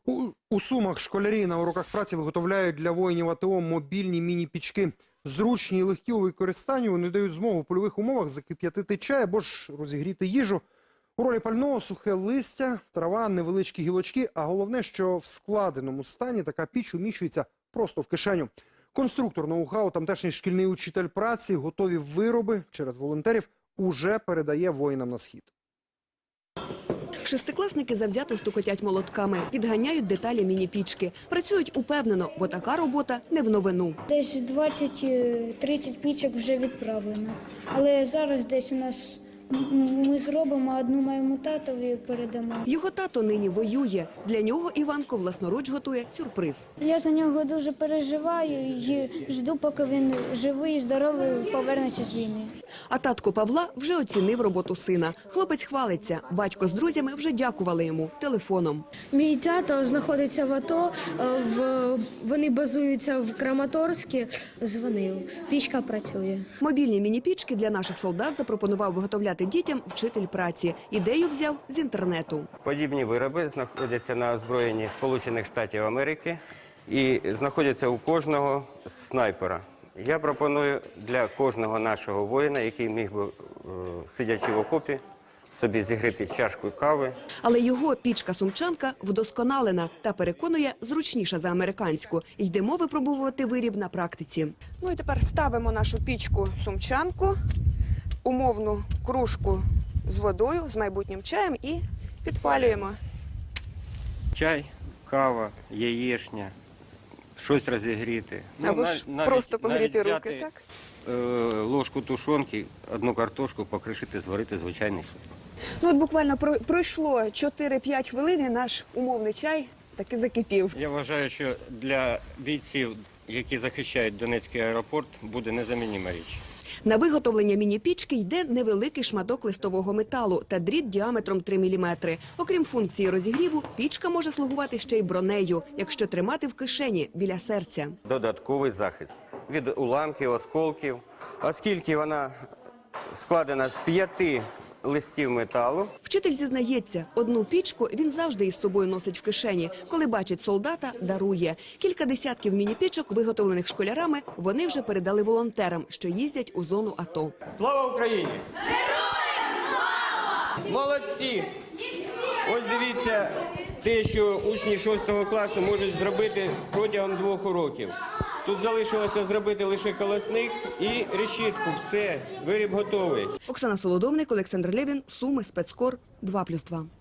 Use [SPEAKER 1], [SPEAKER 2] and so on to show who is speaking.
[SPEAKER 1] У Сумах школярі на уроках праці виготовляють для воїнів АТО мобільні міні-пічки. Зручні і легкі у використанні, вони дають змогу в польових умовах закип'ятити чай або ж розігріти їжу. У ролі пального сухе листя, трава, невеличкі гілочки, а головне, що в складеному стані така піч уміщується просто в кишеню. Конструктор ноу-хау, тамтешній шкільний учитель праці, готові вироби через волонтерів уже передає воїнам на схід.
[SPEAKER 2] Шестикласники завзято стукотять молотками, підганяють деталі міні-пічки. Працюють упевнено, бо така робота не в новину.
[SPEAKER 3] Десь 20-30 пічок вже відправлено. Але зараз десь у нас ми зробимо, одну моєму татові передамо.
[SPEAKER 2] Його тато нині воює. Для нього Іванко власноруч готує сюрприз.
[SPEAKER 3] Я за нього дуже переживаю і жду, поки він живий і здоровий повернеться з війни.
[SPEAKER 2] А татко Павла вже оцінив роботу сина. Хлопець хвалиться. Батько з друзями вже дякували йому телефоном.
[SPEAKER 4] Мій тато знаходиться в АТО, вони базуються в Краматорську, дзвонив, пічка працює.
[SPEAKER 2] Мобільні міні-пічки для наших солдат запропонував виготовляти дітям вчитель праці. Ідею взяв з інтернету.
[SPEAKER 5] Подібні вироби знаходяться на озброєнні Сполучених Штатів Америки і знаходяться у кожного снайпера. Я пропоную для кожного нашого воїна, який міг би, сидячи в окопі, собі зігріти чашку кави.
[SPEAKER 2] Але його пічка-сумчанка вдосконалена та, переконує, зручніша за американську. Йдемо випробовувати виріб на практиці. Ну і тепер ставимо нашу пічку-сумчанку, умовну кружку з водою, з майбутнім чаєм і підпалюємо.
[SPEAKER 5] Чай, кава, яєчня, щось розігріти.
[SPEAKER 2] Або ж просто погріти руки, так?
[SPEAKER 5] Ложку тушонки, одну картошку покришити, зварити звичайний суп.
[SPEAKER 2] Ну от буквально пройшло 4-5 хвилин і наш умовний чай таки закипів.
[SPEAKER 5] Я вважаю, що для бійців, які захищають Донецький аеропорт, буде незаміннима річ.
[SPEAKER 2] На виготовлення міні-пічки йде невеликий шматок листового металу та дріт діаметром 3 мм. Окрім функції розігріву, пічка може слугувати ще й бронею, якщо тримати в кишені біля серця.
[SPEAKER 5] Додатковий захист від уламків, осколків. Оскільки вона складена з 5 листів металу.
[SPEAKER 2] Вчитель зізнається, одну пічку він завжди із собою носить в кишені. Коли бачить солдата, дарує. Кілька десятків міні-пічок, виготовлених школярами, вони вже передали волонтерам, що їздять у зону АТО.
[SPEAKER 5] Слава Україні! Героям слава! Молодці! Ось дивіться те, що учні 6 класу можуть зробити протягом 2 уроків. Тут залишилося зробити лише колосник і решітку. Все, виріб готовий.
[SPEAKER 2] Оксана Солодовник, Олександр Левін, Суми, Спецкор, 2+2.